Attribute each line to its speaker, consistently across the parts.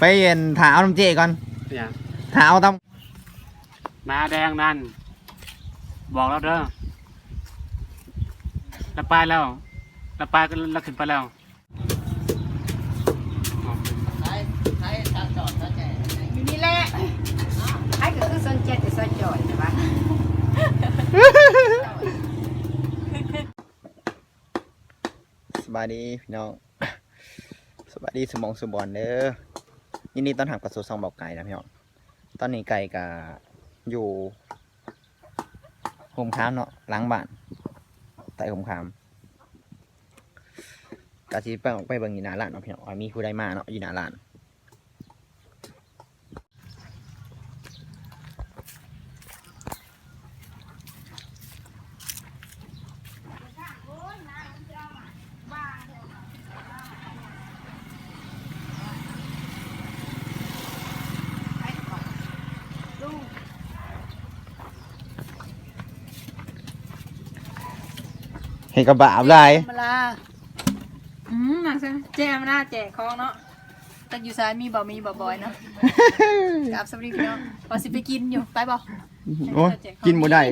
Speaker 1: ไปเย็นถาเอาน้ำเจก่อนถาเอาต
Speaker 2: ำมาแดงนั่นบอกแล้วเด้อเราไปแล้วเราไปก็เราขึ้นไปแล้ว
Speaker 3: นี่แหละไอ้ก็คือสนใจแต่สนจอยใช่ปะ
Speaker 1: สบายดีพี่น้องสบายดีสมองสุบอนเด้อยินดีต้อนรับกับสู่ซองบอกไก่นะพี่น้องตอนนี้ไก่กับอยู่โฮมค้ามเนาะล้างบ้านใต้โฮมค้ามกะสิไปออกไปเบิ่งอยู่หน้าร้านเนาะพี่น้องมีผู้ใดมาเนาะอยู่หน้าร้านเห็นกระบะอะไร
Speaker 3: มาลาหนักใช่แจ้มาหน้าแจกของเนาะแต่อยู่ซ้ายมีบ่อยเนาะกับสวัสดีพี่น้องพอสิไปกินอยู่ไปบ่
Speaker 1: โอ้กินบ่ได้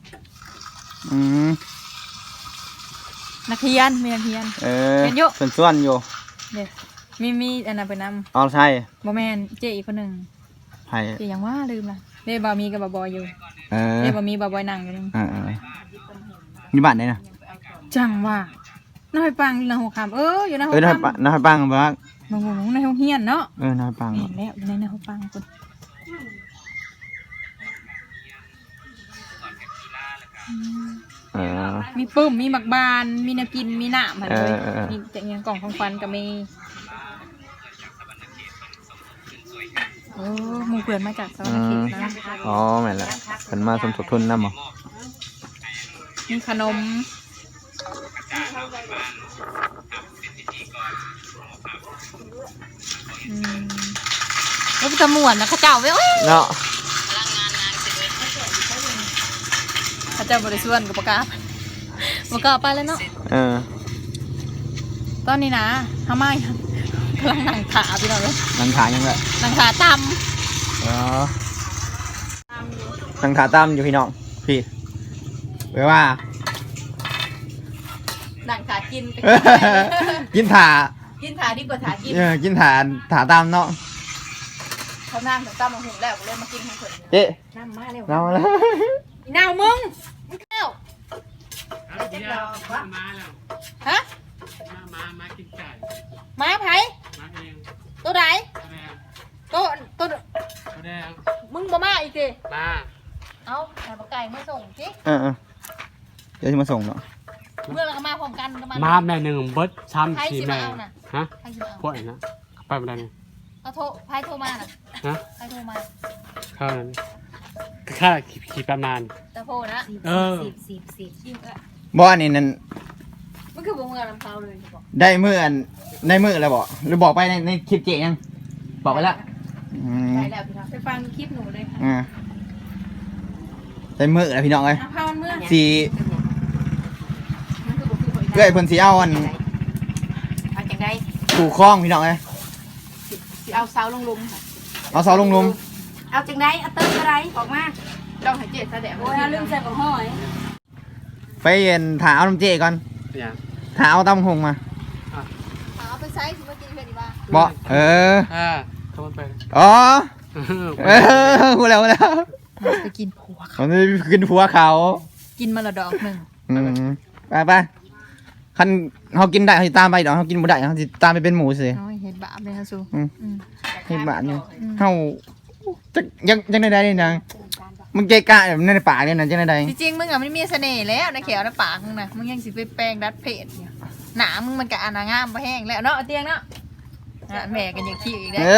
Speaker 3: นักเรียนมีนักเรียน
Speaker 1: เป็นอยู่เป็นส่วนอยู่
Speaker 3: เนี่ยมีอันนั้นไปนำ
Speaker 1: อ๋อใช่
Speaker 3: บ่แม่นเจ๊อีกคนหนึ่ง
Speaker 1: ใช่
Speaker 3: เจ๊ยังว่าลืมละเด้บ่มีกับบ่บอยอยู่เด้บ่มีบ่บอยนั่งอยู่นึง
Speaker 1: มีบ้านไหนนะ
Speaker 3: จังว่าน้อยปังอยู่ในหัวคำอยู่ในหัวคำ
Speaker 1: น้อยปังบ้าง
Speaker 3: งในห้องเฮียนเนาะ
Speaker 1: น้อยปัง
Speaker 3: แล้วอยู่ในห้องปังคนมีปุ้มมีหมักบานมีน้ำกินมีน้ำเลยมีแต่เงี้ยกล่องของควันกับมีหมู่เพื่อนมาจากสวรรค์เขตนะ
Speaker 1: อ๋อแม่นละเป็นมาสมทบทุนนะหมอ
Speaker 3: มีขนมแล้วจะม่วนนะข้าเจ้าไว้
Speaker 1: เนาะ
Speaker 3: ข้าเจ้าบริสุทธิ์กับปากกาไปแล้วเนาะตอนนี้นะทำไมกำลังนั่งขาพี่น้องเลย
Speaker 1: นั่งขายังไง
Speaker 3: นั่งขาตำ
Speaker 1: นั่งขาตำอยู่พี่น้องพี่แปลว่า
Speaker 3: นั่งขากิน
Speaker 1: กินถา
Speaker 3: ดีกว่าถากิน
Speaker 1: กินถาตำเนาะ
Speaker 3: เขานั่งตำมาหุงแล้วเลยมากินของเพิ่น
Speaker 1: เจ๊
Speaker 3: น้ำมาเร็ว
Speaker 1: น้ำมาแล้ว
Speaker 3: น้ำมึงเร็ว
Speaker 2: มาแล้ว
Speaker 3: ฮะ
Speaker 2: มากินไก่
Speaker 3: มาไผ่ตัวไหนตัว
Speaker 2: แดง
Speaker 3: มึงบ่มาอีกสิ
Speaker 2: มา
Speaker 3: เอาแต่ปลาไก่มาส่งสิ
Speaker 1: เดี๋ยวจะมาส่งเนาะ
Speaker 3: เมื่อเราก็มาพร้อมกัน
Speaker 2: มาแม่หนึ่งเบิร์ดช้ำสีแม่ฮะพวกไหนนะไปไม่ได้ไง
Speaker 3: เขาไพ่โทรมาน่ะ
Speaker 2: ฮะ
Speaker 3: ไพ่โทรมา
Speaker 2: ข้าวนั้นค่าขี่ประมาณ
Speaker 3: ตะโพนะ
Speaker 1: บ่อันนี้นั่น
Speaker 3: มันคือบ่เมื่อลำเขาเลย
Speaker 1: ได้เมื่อแล้วบอกหรือบอกไปในคลิปเจ๊ยังบอกไปแล้ว
Speaker 3: ไปแล้วพี่น้องไปฟังคลิปหนูเลยค่ะ
Speaker 1: ได้เมื่อแล้วพี่น้องเลยสีเกยเพิ่นสีเอาอัน
Speaker 3: จังได
Speaker 1: ถูกคล้องพี่น้องเลย
Speaker 3: สีเอาเสาลงลุม
Speaker 1: เอาเสาลงลุม
Speaker 3: เอาจังไดเอาเติมอะไรออกมาต้องให้เจ๊แสดงโอ้ยลืมใส่ของห้อย
Speaker 1: ไปเย็นถาเอาน้ำเจก่อนถาเอาตำหงมา
Speaker 3: เอาไปใช้ถึงมากินเพื่อนดีบ้า
Speaker 1: บ่
Speaker 2: เขาไป
Speaker 1: อ๋อพูดแล้ว
Speaker 3: ไปกินผัว
Speaker 1: เขากินผัวเขา
Speaker 3: กินมาละดอกหนึ่ง
Speaker 1: ไปคันเขากินได้เขาตามไปดอกเขากินบ่ได้เขาตามไปเป็นหมูสิ
Speaker 3: เห็ดบาปเลยฮะซู
Speaker 1: เห็ดบาปเนี่ยเขายังได้นี่นางมึงเกะกะแบบในปากเนี่ยนะจังได
Speaker 3: จริงๆมึงอ่ะมันมีเสน่ห์แล้วในเขียวในปากมึงนะมึงยังสิไปแปลงดัดเพจหนามึงมันกะอนางามไปแห้งแล้วเนาะเตียงเนาะแม่กันอย่างขี้อีกแล้ว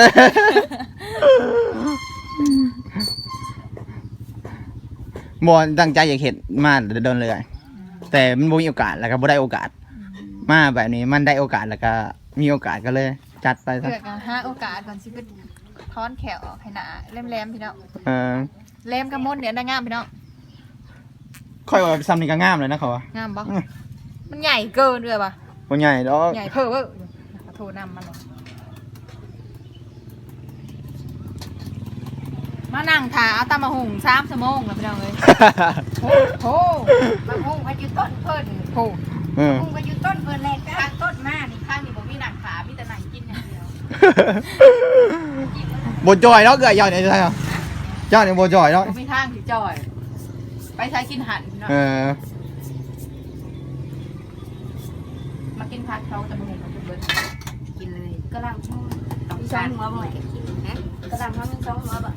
Speaker 1: บ่ตั้งใจอยากเห็นมาโดนเลยแต่มันบ่มีโอกาสแล้วก็บ่ได้โอกาสมาแบบนี้มันได้โอกาสแล้วก็มีโอกาสก็เลยจัดไปซะ
Speaker 3: เพื่อหาโอกาสก่อนสิไปถอนแขวออกให้หนาแหลมๆพี่น้องแหลมกระมดเนี่ยได้งามพี่น้อง
Speaker 1: ค่อยว่าซ้ำนี่ก็งามเลยนะเขาว่
Speaker 3: างามปะมันใหญ่เกินเลยปะ
Speaker 1: บ่ใหญ่ดอก
Speaker 3: ใหญ่เพ้อโทรนำมันมานั่งถาเอาตามมาหุง3 ชั่วโมงแล้วพี่น้องเอ้ยโห
Speaker 4: บางห้องก็อยู่ต้นเพิ่น
Speaker 3: โห
Speaker 4: ห้องก็อยู่ต้นเพิ่นแหละข้างต้นมานี่
Speaker 3: ข้างนี้บ่มีหนังขามีแต่หนังกินอย่างเดียว
Speaker 1: บจอยแล้วเกยยอดเนี่ยใช่ไหมยอดเนี่ยบจอยแล้ว
Speaker 3: บ่มีทางสิจ่อย ไปใช้กินหันพี่น้อง มากินผัดเขาจะมาหุงมันจะเบิด
Speaker 4: กินเลยก็ลำช่องต้องการหัวบ่อยกินนะก็ลำช่อง2 หัวบ่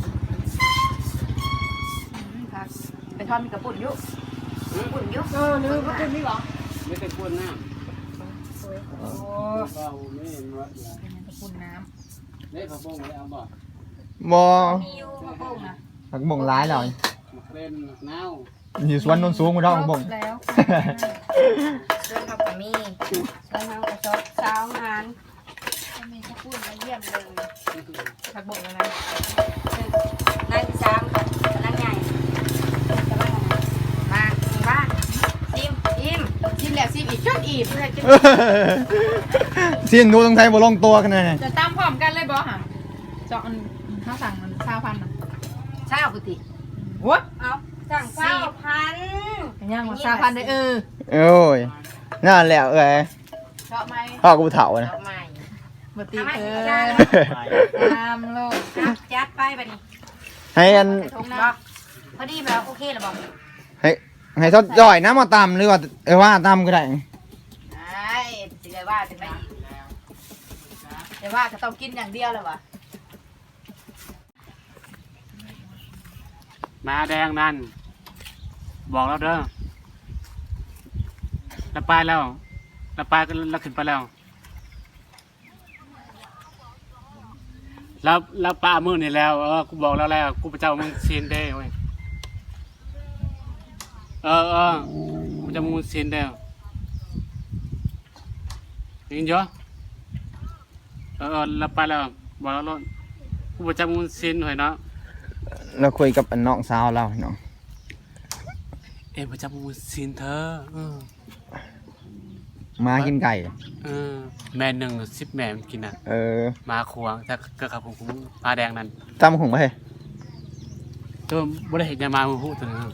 Speaker 3: ผักไปทอดมีกระปุ่นอยู่
Speaker 4: ปุ่นยุก
Speaker 3: ลืมกระปุ่นนี่หรอ
Speaker 2: ไม่ได้พูดน้
Speaker 3: โอ้
Speaker 2: ำเราไม่เห็นว่า
Speaker 3: เป็นกระปุ่นน้
Speaker 2: เล่เขาบ้งไม่เอาบ่
Speaker 1: บอ
Speaker 4: มีอยู่มะโป่งนะ
Speaker 1: ผักบ่งร้ายหน่อย
Speaker 2: เป็นเน่า
Speaker 1: อยู่สวนนนสูงมาดอกผักบ่ง
Speaker 3: แล้ว
Speaker 4: ส่วนเขาก็มีส่วนเขาก็ชอบสาวงาน
Speaker 3: มีกระปุ่นมาเยี่ยมเลยผักบกอะไร
Speaker 4: นายสามนางใหญ่กำลังมาบ้านซิม
Speaker 3: ชิมแล้วชิมอีกชุดอีกเพื่อจะ
Speaker 1: เสียงดูตรงไทยบ่ลงตัวกันเลย
Speaker 3: จะตามพร้อมกันเลยบอค่ะเจาะข้าวสั่งมัน1,000อ่ะ
Speaker 4: เช้าพุติ
Speaker 3: โอ้ย
Speaker 4: เอาสั่ง4,000
Speaker 3: ย่างมา1,000เลย
Speaker 1: โอ้ยนั่นแหละ
Speaker 3: เจาะไหม
Speaker 1: พ่อกูเฒ่านะ
Speaker 4: ดอกไม้
Speaker 3: บตีตามโลก
Speaker 4: จัดไปบัดนี้
Speaker 1: ให้อัน
Speaker 3: ทงน้
Speaker 4: บอกพอดีแล้วโอเคแล้วบอก
Speaker 1: ให้ทอดจ่อยนะมาตำหรือว่าว่าตำก็ได้
Speaker 3: ไอ้สิเลยว่าถึงไหมแต่ว่าก็ต้องกินอย่างเดียวเลยวะ
Speaker 2: มาแดงนั่นบอกแล้วเด้อแล้วไปแล้วแล้วไปก็แล้วขึ้นไปแล้วแล้วป้ามือนี่แล้วกูบอกแล้วกูไปเจ้ามึงซีนได้เว้ยกูจะมึงซีนได้ยินเยอะแล้วไปแล้วบอกแล้วกูไปเจ้ามึงซีนหน่อยเนาะ
Speaker 1: เราคุยกับน้องสาวเราเนาะ
Speaker 2: ไปเจ้ามึงซีนเธอ
Speaker 1: มากินไก่
Speaker 2: แม่1 10 แม่มันกินอ่ะมาควงแต่ก็ครับผมปลาแดงนั่น
Speaker 1: ตำหุงไป
Speaker 2: ตัวบ่ได้เห็นยามาหูตัวนึง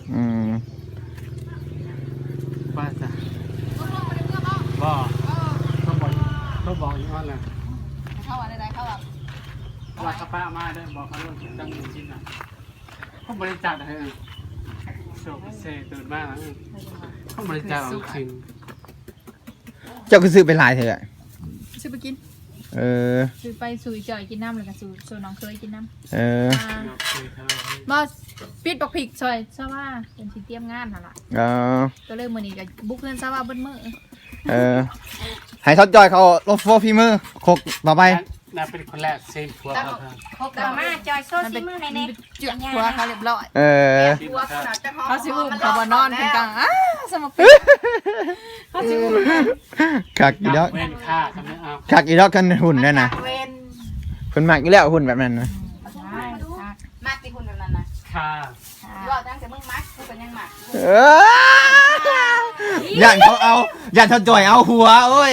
Speaker 2: ว่าจ้ะบ่เขาบอกอย่างนั้นแหละ
Speaker 3: เข้าวันใดเข้าวัน
Speaker 2: ว่าเขาป้ามาได้บอกเขาเรื่องตั้งชิ้นอ่ะเขาบริจาคให้โชคพิเศษตื่นมากเขาบริจาคเอาชิ้น
Speaker 1: เจ้าก็ซื้อไปหลายเถอะ
Speaker 3: ซื้อไปกิน ซื้อไปสู่จ่อยกินน้ำเลยค่ะสู่น้องเคยกินน้ำมาปิดบักผิกซอยซะว่าเป็นที่เตรียมงานหั่นล่ะก็เลยมื้อนี้ก็บุกเงินซะว่าเบิ้มื้อ
Speaker 1: ให้ทอดจอยเขาลบโฟฟีมือโคกต่อไป
Speaker 2: น่าเป็นคนแรกเซมทัวร์เขาค่ะ
Speaker 4: พกมาจอยโซซิมือในเน็ต
Speaker 3: เจือกหัวเขาเรียบร้อย
Speaker 4: หัวขนาดจะหอม
Speaker 3: เขาสิอุ้มเขาบ่นอนเพิ่นกลางสมปิเขาสิอุ้ม
Speaker 1: คักอีดอก
Speaker 2: เว้นค่าทำไมเอา
Speaker 1: คักอีดอกกันหุ่นได้นะ
Speaker 4: เวน
Speaker 1: เพิ่นมักอยู่แล้วหุ่นแบบนั้นนะ
Speaker 4: มักที่คุณแบบนั้นนะ
Speaker 2: ค่า
Speaker 4: ว่าตั้งแต่มึงมักกูเป็นยังมัก
Speaker 1: ย่านเขาเอาย่านทอดจอยเอาหัวโอ้ย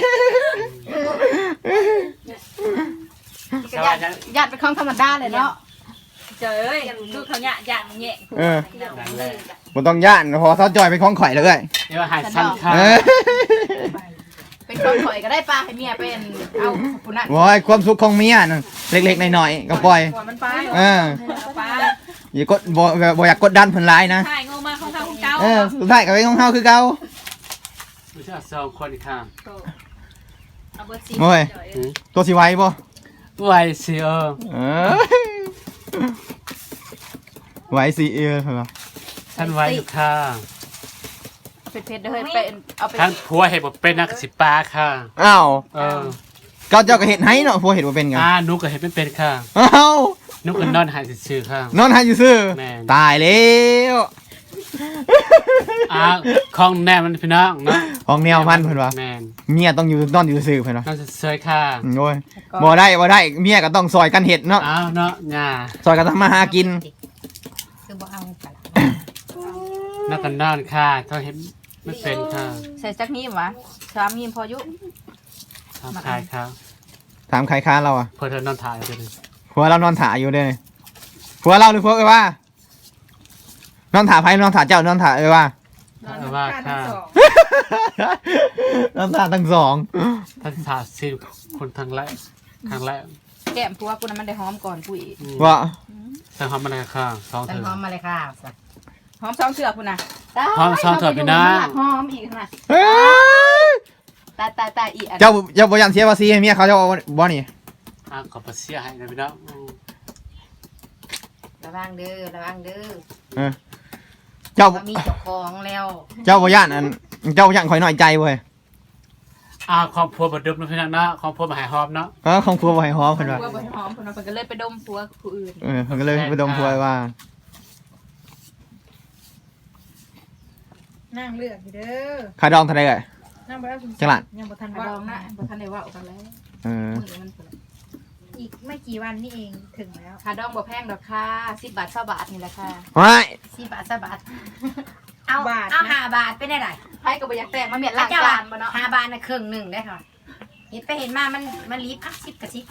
Speaker 3: ญาติเป็นของธรรมดาเลยเนาะเจ้ยลูกเขาเนี่ยญาติแย่ง
Speaker 1: บ่ต้องย่านพอทอดจอยเป็นของข่อยเลย
Speaker 2: เดี๋ยวหายสั้นค่า
Speaker 3: เป็นคนข่อยก็ได้ปลาให้เมียเป็นเอาผู้นั้น
Speaker 1: โอ้ยความสุขของเมียน่ะเล็กๆหน่อยๆก็ปล่อย
Speaker 3: มันไป
Speaker 4: ปลา
Speaker 1: อย่ากดบ่อยากกดดันเพิ่นหลายนะ
Speaker 3: ถ่ายงงมาของทางของเก่า
Speaker 1: สุดท้ายก็เป็นของเฮาคือเก่า
Speaker 2: ไม่ใช่2 คนค่ะ
Speaker 3: เอาเบอร์ซี
Speaker 1: โอ้ยตัวสิไหวบ่
Speaker 2: ไหวสิ
Speaker 1: ไหวสิเพิ่นว่า
Speaker 2: ท่านไหวอยู่ค่ะ
Speaker 3: เผ็ดๆเด้อเฮ้ยเป็นเอาไป
Speaker 2: ท่านผัวเห็นบอกเป็นนักสิปลาค่ะ
Speaker 1: อ้าวก็เจ้าก็เฮ็ดให้เนาะพวกเฮ็ดบ่เป็นกัน
Speaker 2: นุกก็เห็นเป็นค่ะ
Speaker 1: อ้าว
Speaker 2: นุกก็นอนหายซื่อค่ะ
Speaker 1: นอนให้ซื่อ
Speaker 2: แม่น
Speaker 1: ตายแล้ว
Speaker 2: ของแน่มันพี่น้องเนาะ
Speaker 1: ของแนวมันเพิ่นว่า
Speaker 2: แม่น
Speaker 1: เมียต้องอยู่นอนอยู่ซื่อเพิ่นว่า
Speaker 2: น้องจะเซยค่ะ
Speaker 1: โอ้ยบ่ได้เมียก็ต้องซอยกันเฮ็ดเนาะ
Speaker 2: อ้าวเนาะง่า
Speaker 1: ซอยกันทำมาหากิน
Speaker 4: คือบ่เอาปลา
Speaker 2: นักกันนอนค่ะเขาเห็นไม่เป็นค่ะ
Speaker 3: ใส่จักนี้วะสามีพอยุ
Speaker 2: ทำคายค่ะ
Speaker 1: ถามใครค้าเราอ่ะ
Speaker 2: เพื่อเธอนอนถ่ายไปเลย
Speaker 1: หัวเรานอนถ่ายอยู่เด้อผัวเราหรือผัวเอ้ยว่าน้องถาไพ่น้องถาเจ้าน้องถาเอ้ยว่า
Speaker 2: ว่า
Speaker 3: ทั้
Speaker 2: ค่ะ
Speaker 3: งสอง
Speaker 1: น้องถาทั้งสอง
Speaker 2: ท่านสาสิคนทางแรกทางแรก
Speaker 4: แก้มผัวกูนั้นมันได้หอมก่อนกูอีก
Speaker 1: ว่า
Speaker 2: แต่ทำอะไรค่ะสอง
Speaker 4: ฉัน
Speaker 2: เถื่อ
Speaker 4: หอมมาเลยค่ะหอมสองเชือกคุณน่ะ
Speaker 2: หอมสองเถื่อพี่นะ
Speaker 4: หอมอีกน่ะ
Speaker 1: เฮ้ย
Speaker 4: ตายอีกอัน
Speaker 1: เจ้าบ่ยันเสียภาษีให้เมียเขาเจ้าบ่นี่
Speaker 2: ขอบเสียให้นะพี่น้อง
Speaker 4: ระวังเด้อระวังเด้อ
Speaker 1: เจ้า
Speaker 4: ว่ามีเจ้าของแล้ว
Speaker 1: เจ้าบ่ยันอันเจ้าบ่ยันข่อยน้อยใจเว้ย
Speaker 2: ครอบครัวบดดมนะพี่น้องนะครอบครัวมาหายหอมเนาะ
Speaker 1: ของครัวบ่ให้หอมเพิ่นว่า
Speaker 3: ผัวบ่หอมเพิ่นว่าเพิ่นก็เลยไปดมผัวผู้อื่น
Speaker 1: เพิ่นก็เลยไปดมผัวว่า
Speaker 3: นั่งเลือกอยู่เด้อ
Speaker 1: ค่าดองเท่าไหร่เอ่ย
Speaker 3: นั่งบ่ได้คุณ
Speaker 1: จังหวัด
Speaker 3: ยังบ่ทัน
Speaker 4: ด
Speaker 3: ว่า
Speaker 4: องนะบ่ทันได้ว่ากันแล้ว
Speaker 1: เออ
Speaker 4: มื้อมันพุ่น
Speaker 3: อีกไม่กี่วันนี่เองถึงแล้ว
Speaker 4: ค่าดองบ่แพงดอกค่ะ10 บาท20 บาทนี่แหละค่ะ
Speaker 1: ว้าย
Speaker 4: 10 บาท20 บาทเอา5 บาทไปได้ได
Speaker 3: ไผก็บ่อยากแต่งมาเมียนล้าง
Speaker 4: เจ้า
Speaker 3: จา
Speaker 4: ว่าน
Speaker 3: บ่เนาะ
Speaker 4: 5 บาทน่ะครึ่งหนึงได้ค่ะเห็นไปเห็นมามันรีบ10กับ10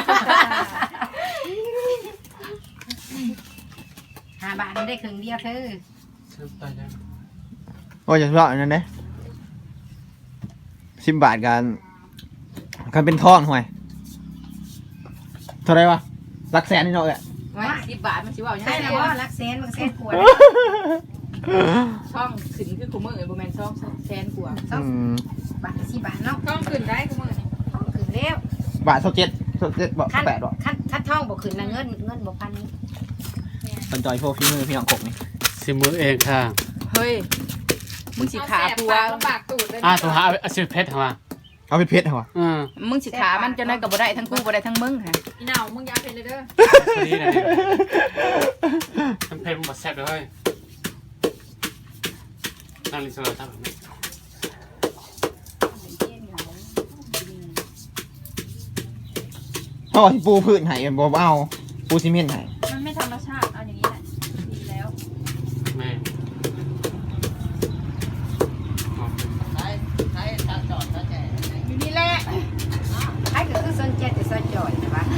Speaker 4: 5 บาทมันได้ครึ่งเดียวเธอ
Speaker 1: โอ้ยอย่าเลาะอันนั้นเด้10 บาทกันเป็นทองห่วยเท่าไหร่วะหลักแสนนี่เนาะเอ้ย
Speaker 3: ไว้10 บาทมันสิเว้ายัง
Speaker 4: ใช่
Speaker 3: ไง
Speaker 4: แล้ว
Speaker 3: เนาะ
Speaker 4: ว่ารักเซนมันเซนกวด
Speaker 3: ช่องขึ้นคือกูมื้อบ่แม่นช่องแสนกว่า
Speaker 1: อืม
Speaker 4: บาท10 บาทเนาะ
Speaker 3: ช่องขึ้นได้กูมื้อนี่
Speaker 4: ท่องขึ้นแล้ว
Speaker 1: บาท27บ่
Speaker 4: ขั้น
Speaker 1: 8บ่
Speaker 4: ขั้นท่องบ่ขึ้นนะเงินบ่พันนี้
Speaker 1: สนใจพวกพี่มือพี่น้องกกนี่
Speaker 2: สิมือเองค่ะ
Speaker 3: เฮ้ยมึงสิขาผัวลำบากตูดเลย
Speaker 2: โทรหาอาชีพเพชรมา
Speaker 1: เอาไปเพชรเหรอ
Speaker 3: มึงสิขามันจนได้ก็บ่ได้ทั้งกูบ่ได้ทั้งมึงค่ะอีเหน่ามึงอย่าเป็นเลยเด้อ
Speaker 2: นี่นะมันเพลงมันแซ่บเลยนั่งลิซ่าทำแบบนี้
Speaker 1: เขาบอกที่ปูพื้นให้บ่เอาปูซีเมนต์ให้
Speaker 3: มันไม่ธรรมชาติเอาอย่างนี้แหละดีแล้ว
Speaker 2: แม่
Speaker 3: อยู่นี่แหละ
Speaker 4: ใครก็คือสนใจแต่ซอยจ่อยนะวะ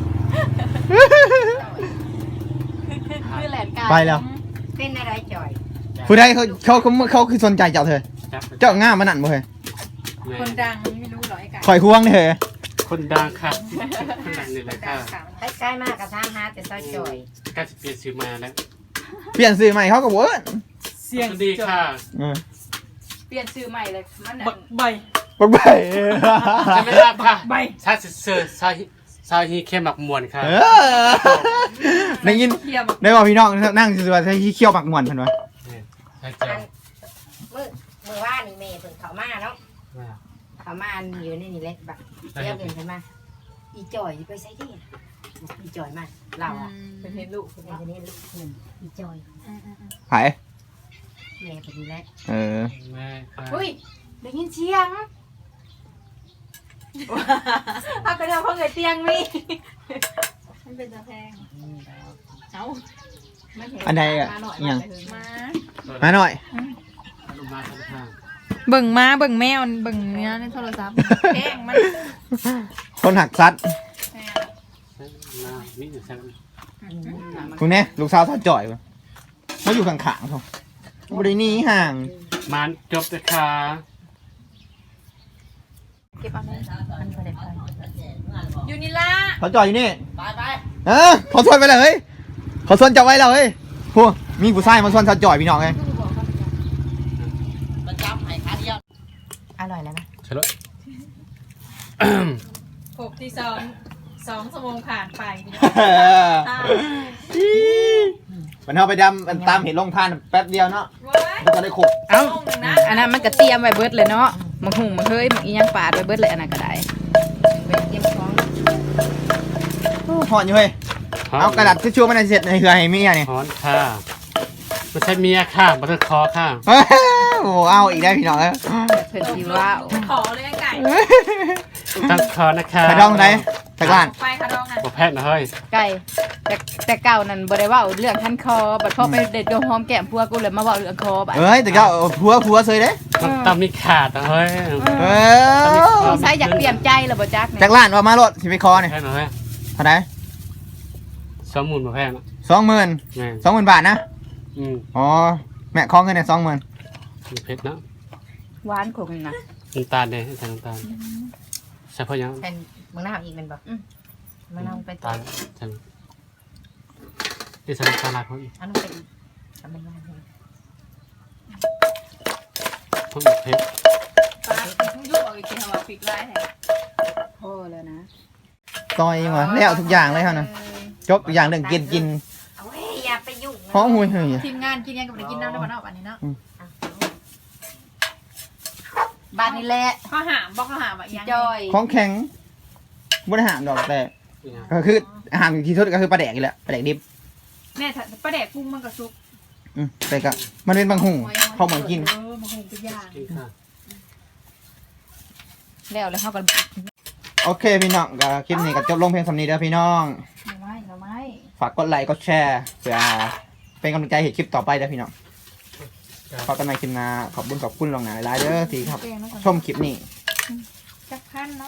Speaker 3: คือแหลนกาย
Speaker 1: ไปแล้ว
Speaker 4: เป็นอะไรจ่อย
Speaker 1: ผู้ใดเขาคือสนใจเจ้าเธอเจ้าง่ามมันนั่นบ่เฮ้ย
Speaker 3: คนดังไม่รู้หรอไอ้กาย
Speaker 1: ข่อยควงเธอ
Speaker 2: คนดังค่ะคนดังนี่แหละค่ะ
Speaker 4: ใกล้ๆมากกับทางหาแต่ซอยจ่อย
Speaker 2: ใกล้จะเปลี่ยนชื่อมาแล้ว
Speaker 1: เปลี่ยนสื่อใหม่เขาก็บ่เอิ้น
Speaker 3: เสียง
Speaker 2: ดีค่ะ
Speaker 3: เปลี่ยนชื่อใหม่เลยมัน
Speaker 2: ใบ
Speaker 1: บักใบ
Speaker 2: จะไม่รับค่ะชาติเสือซาฮีเข้มหมักมวนค่ะ
Speaker 1: ได้ยิน
Speaker 3: เทียม
Speaker 1: ได้ว่าพี่น้องนั่งซื่อๆว่าที่เคี่ยวปักม่วนเพิ่นว่า
Speaker 2: ใช่จ้ะ
Speaker 4: มือว่านี่เมย์เพิ่งเขามาเนาะเขามาอยู่ในนี่เล็กแบบเที่ยวเดินขึ้นมาอีจ่อยไปใส่ที่อีจ่อยมาเราอ่ะ
Speaker 3: เป็นเห็นลูก
Speaker 4: เป็นนี่ลูกอีจ่อย
Speaker 1: ไผ
Speaker 4: เมย์เป็นนี่แหละ
Speaker 2: แม่ค่ะ
Speaker 4: อุ้ยได้ยินเสียง
Speaker 3: เอากระเดียวเขาเงยเตียงนี่มันเป็นตะแพงเอ้า
Speaker 1: อันใดอ่ะ
Speaker 3: มาหน่อย
Speaker 1: อิหยัง
Speaker 3: มา
Speaker 1: มาหน่อย
Speaker 2: ลูกมาค่ะ
Speaker 3: เบิ่งม้าเบิ่งแมวเบิ่งเนื้อในโทรศัพท์แพงมัน
Speaker 1: คนหักซัด
Speaker 2: นี่จะแซ่บ
Speaker 1: คุณแน่ลูกสาวท่าจ่อยบ่เขาอยู่ข้างๆเขาบ่ได้หนีห่าง
Speaker 2: มันจบเลยค่ะ
Speaker 3: เก็บเอาไหม
Speaker 4: มันก็ได้ไป
Speaker 3: อยู่นี่ละ
Speaker 1: เขาจ่อยอยู่นี่ไปเขาชวนไปเลยเฮ้ยเขาชวนเจ้าไว้แล้วเฮ้ยพวกมีผู้ชายมาชวนท่าจ่อยพี่น้องไง
Speaker 4: อร่อยแล้วนะ
Speaker 2: ใช่แล้ว
Speaker 3: หกที่2 ชั่วโมงผ่านไป
Speaker 1: มันเอาไปดำมันตามเห็นลงทานแป๊บเดียวเนาะมันจะได้ขบ
Speaker 3: เอ้าอันนั้นมันก็เตรียมไว้เบิดเลยเนาะมังหุงมันเฮ้ยมันอีหยังปาดไว้เบิดเลยอันนั้นก็ได้
Speaker 4: ไปเตรียมของ
Speaker 1: หอนอยู่เฮ้ยเอากระดาษทิชชู่มาในเสร็จในเหือให้เมียนี่
Speaker 2: ฮ้อนค่ะไม่ใช่เมียค่ะบัตเตอร์คอค่ะ
Speaker 1: โอ้เอาอีกได้พี่น้องเอ้ย
Speaker 3: เพิ่นสิว่าขอเลยไก่
Speaker 2: ตั้งคอนะคะ
Speaker 1: ไปดองไหนจากร้าน
Speaker 3: ไปค่ะดองน่ะ
Speaker 2: บอกแพทย์นะเฮ้ย
Speaker 3: ไก่แต่เก่านั่นบ่ได้เว้าเรื่องคันคอบัดพอไปเด็ดโดนหอมแก้มพัวกูเลยมาเว้าเรื่องคอบัด
Speaker 1: เอ้ยแต่ก็ผัวเซยเด้
Speaker 2: มันตำนี่ขาดนะเฮ้ย
Speaker 1: เออ
Speaker 3: ใส่อยากเปลี่ยนใจแล้วบ่จัก
Speaker 1: จากร้านว่ามาโลดสิไปคอนี่
Speaker 2: แพทย์นะเฮ้ย
Speaker 1: เท่าไหร่
Speaker 2: สมุนมาแพทย์นะ
Speaker 1: 20,000
Speaker 2: แม่น
Speaker 1: 20,000 บาทนะ อ๋อแม่ขอเงินเนี่ย20,000
Speaker 2: เผ็ดเนาะ
Speaker 4: หวานคงนะ
Speaker 2: น้ำตาลเลยใส่น้ำตาลใส่เพราะยัง
Speaker 4: แผ่นมึงน่าอีกมันบ่มึงน่าไปต่อ
Speaker 2: ตาลใส่ที่ใส่น้ำตาลลายเพราะอีก
Speaker 4: อันนั้นเป็นทำเป็นว่า
Speaker 2: เพราะอีกเผ็ด
Speaker 3: ปลายุบเอาอีกทีเอาพริกไล่แทน
Speaker 4: โอ้แล้วนะ
Speaker 1: ซอยยังวะแล้วทุกอย่างเลยเฮานะจบทุกอย่างเรื่องกิน
Speaker 4: เอาเว้ยอย่าไปยุ่ง
Speaker 1: หอมหุยเฮ้ย
Speaker 3: ทีมงานกินยังกับได้กินน้ำได้บ่เนาะอันนี้เนาะ
Speaker 4: บ้านนี่แหละ
Speaker 3: ข้าวหามบอกข้าวหามอ่ะยัง
Speaker 4: จอย
Speaker 1: ของแข็งบ่ได้หามดอกแต่ก็คือหามที่สุดก็คือปลาแดกนี่แหละปลาแดกดิบ
Speaker 3: แม่ถ้าปลาแดกกุ้งมันก็สุก
Speaker 1: แต่ก็มันเป็นบางหุงเขาเหมือนกิน
Speaker 3: มันคงเป็นย่าง
Speaker 2: กินข้าว
Speaker 4: แล้วแล้วเขาก็
Speaker 1: โอเคพี่น้องก็คลิปนี้ก็จบลงเพียงสำนี้เด้อพี่น้อง
Speaker 3: เราไม่
Speaker 1: ฝากกดไลค์กดแชร์เพื่อเป็นกำลังใจให้คลิปต่อไปเด้อพี่น้องพบกันใหม่คลิปหน้าขอบคุณลวงหน้าหลายๆเด้อที่ครับ
Speaker 3: แกงแล้วก่อน
Speaker 1: ชมคลิปนี้
Speaker 3: จักพันเนาะ